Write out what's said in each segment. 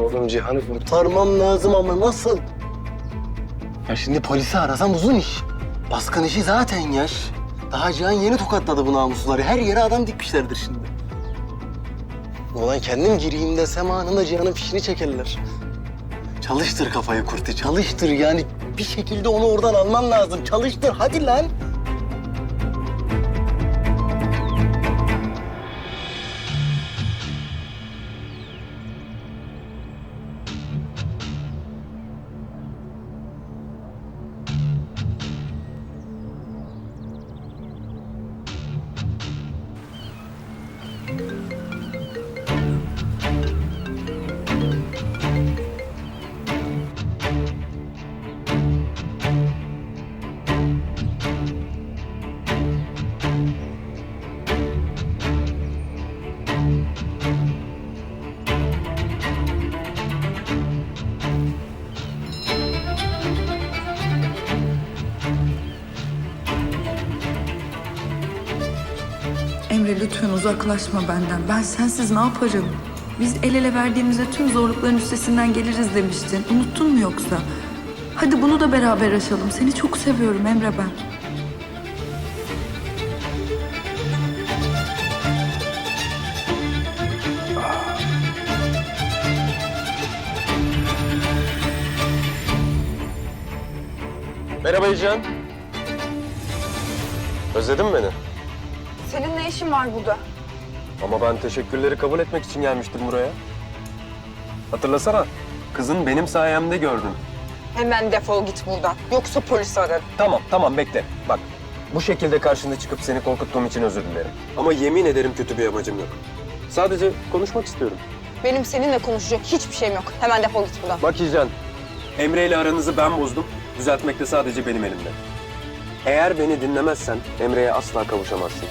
Oğlum Cihan'ı kurtarmam lazım ama nasıl? Ya şimdi polisi arasam uzun iş. Baskın işi zaten yaş. Daha Cihan yeni tokatladı bu namusları. Her yere adam dikmişlerdir şimdi. Ulan kendim gireyim desem anında Cihan'ın fişini çekerler. Çalıştır kafayı Kurti, çalıştır yani. Bir şekilde onu oradan alman lazım. Çalıştır, hadi lan. Emre lütfen uzaklaşma benden. Ben sensiz ne yaparım? Biz el ele verdiğimizde tüm zorlukların üstesinden geliriz demiştin. Unuttun mu yoksa? Hadi bunu da beraber aşalım. Seni çok seviyorum Emre ben. Merhaba Cihan. Özledin mi beni? Senin ne işin var burada? Ama ben teşekkürleri kabul etmek için gelmiştim buraya. Hatırlasana, kızın benim sayemde gördün. Hemen defol git buradan. Yoksa polis ararım. Tamam bekle. Bak, bu şekilde karşında çıkıp seni korkuttuğum için özür dilerim. Ama yemin ederim kötü bir amacım yok. Sadece konuşmak istiyorum. Benim seninle konuşacak hiçbir şeyim yok. Hemen defol git buradan. Bak İcan, Emre ile aranızı ben bozdum. Düzeltmek de sadece benim elimde. Eğer beni dinlemezsen Emre'ye asla kavuşamazsın.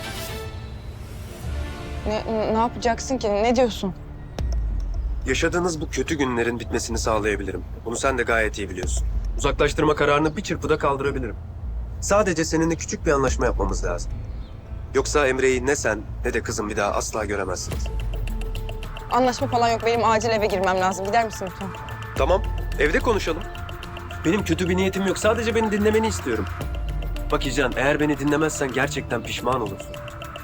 Ne yapacaksın ki? Ne diyorsun? Yaşadığınız bu kötü günlerin bitmesini sağlayabilirim. Bunu sen de gayet iyi biliyorsun. Uzaklaştırma kararını bir çırpıda kaldırabilirim. Sadece seninle küçük bir anlaşma yapmamız lazım. Yoksa Emre'yi ne sen ne de kızım bir daha asla göremezsiniz. Anlaşma falan yok. Benim acil eve girmem lazım. Gider misin lütfen? Tamam, evde konuşalım. Benim kötü bir niyetim yok. Sadece beni dinlemeni istiyorum. Bak İcan, eğer beni dinlemezsen gerçekten pişman olursun.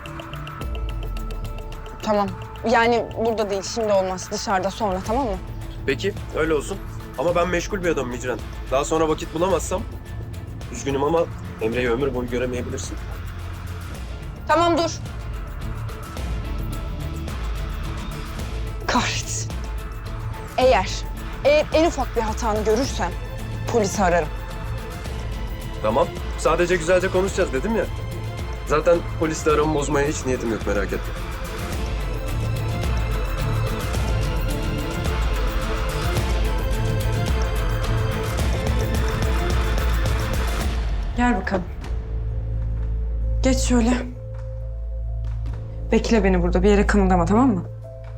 Tamam. Yani burada değil. Şimdi olmaz. Dışarıda sonra, tamam mı? Peki, öyle olsun. Ama ben meşgul bir adamım İcran. Daha sonra vakit bulamazsam, üzgünüm ama Emre'yi ömür boyu göremeyebilirsin. Tamam dur. Kahretsin. Eğer en ufak bir hatanı görürsem polisi ararım. Tamam, sadece güzelce konuşacağız dedim ya. Zaten polisle aramı bozmaya hiç niyetim yok, merak etme. Gel bakalım. Geç şöyle. Bekle beni burada. Bir yere kımıldama, tamam mı?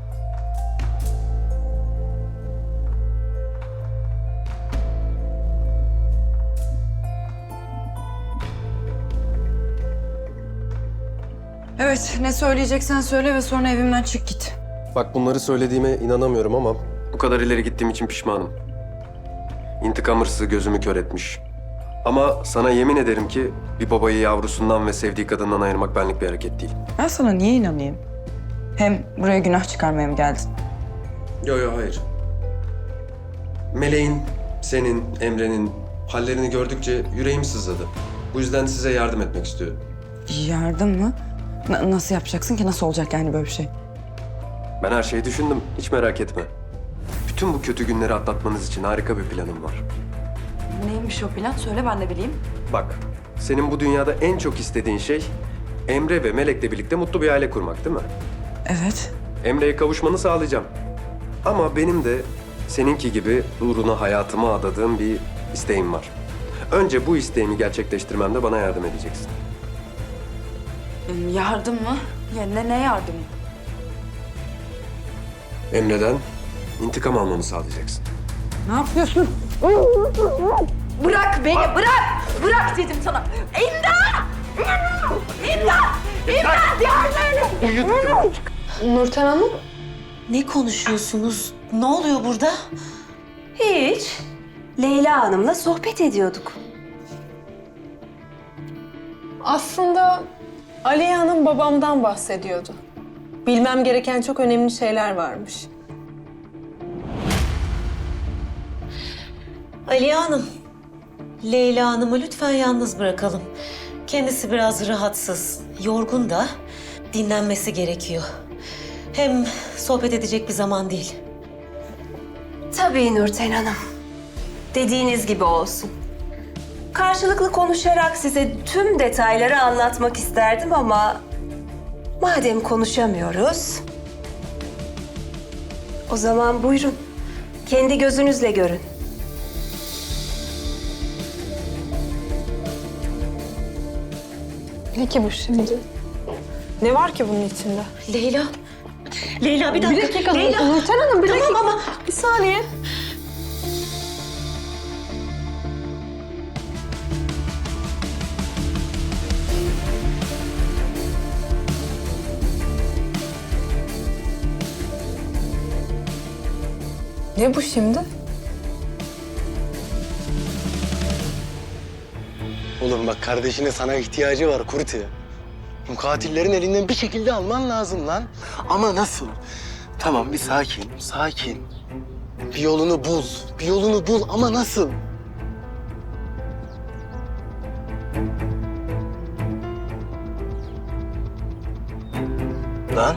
Evet, ne söyleyeceksen söyle ve sonra evimden çık git. Bak bunları söylediğime inanamıyorum ama bu kadar ileri gittiğim için pişmanım. İntikam hırsı gözümü kör etmiş. Ama sana yemin ederim ki bir babayı yavrusundan ve sevdiği kadından ayırmak benlik bir hareket değil. Ben sana niye inanayım? Hem buraya günah çıkarmaya mı geldin? Yo hayır. Meleğin, senin, Emre'nin hallerini gördükçe yüreğim sızladı. Bu yüzden size yardım etmek istiyorum. Yardım mı? Nasıl yapacaksın ki? Nasıl olacak yani böyle bir şey? Ben her şeyi düşündüm, hiç merak etme. Bütün bu kötü günleri atlatmanız için harika bir planım var. Neymiş o plan? Söyle ben de bileyim. Bak, senin bu dünyada en çok istediğin şey Emre ve Melek'le birlikte mutlu bir aile kurmak değil mi? Evet. Emre'ye kavuşmanı sağlayacağım. Ama benim de seninki gibi uğruna hayatımı adadığım bir isteğim var. Önce bu isteğimi gerçekleştirmemde bana yardım edeceksin. Yardım mı? Ya ne yardımı? Emre'den intikam almamı sağlayacaksın. Ne yapıyorsun? Bırak beni, bırak! Bırak dedim sana. İmdat! İmdat! İmdat! Yardım edin! Nurten Hanım? Ne konuşuyorsunuz? Ne oluyor burada? Hiç. Leyla Hanım'la sohbet ediyorduk. Aslında Aliye Hanım babamdan bahsediyordu. Bilmem gereken çok önemli şeyler varmış. Aliye Hanım, Leyla Hanım'ı lütfen yalnız bırakalım. Kendisi biraz rahatsız, yorgun da dinlenmesi gerekiyor. Hem sohbet edecek bir zaman değil. Tabii Nurten Hanım. Dediğiniz gibi olsun. Karşılıklı konuşarak size tüm detayları anlatmak isterdim ama... madem konuşamıyoruz... o zaman buyurun. Kendi gözünüzle görün. Ne ki bu şimdi? Ne var ki bunun içinde? Leyla, Leyla bir dakika. Bir dakika Leyla. Nurten Hanım, bir Tamam dakika. ama Bir saniye. Ne bu şimdi? Oğlum bak kardeşine sana ihtiyacı var Kurti. Bu katillerin elinden bir şekilde alman lazım lan. Ama nasıl? Tamam bir sakin, sakin. Bir yolunu bul, bir yolunu bul ama nasıl? Lan?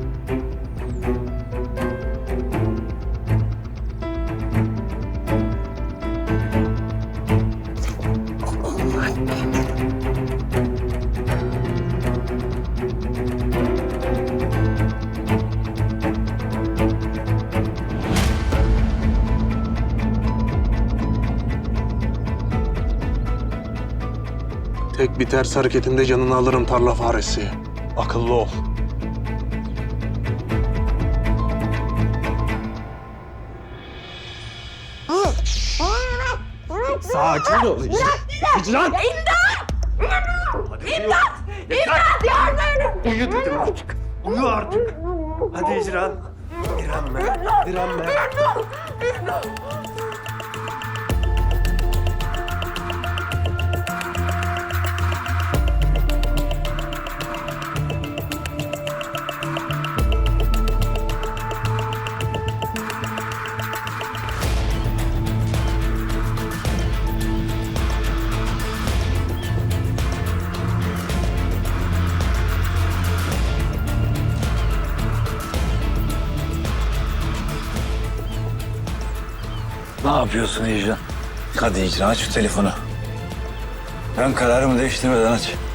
Tek bir ters hareketinde canını alırım tarla faresi. Akıllı ol. Sakin ol. İmdat! İmdat! Yardım! Uyu dedim artık. Uyu artık. Hadi İcran. Direnme. Direnme. Ne yapıyorsun İcran? Hadi İcran aç şu telefonu. Ben kararımı değiştirmeden aç.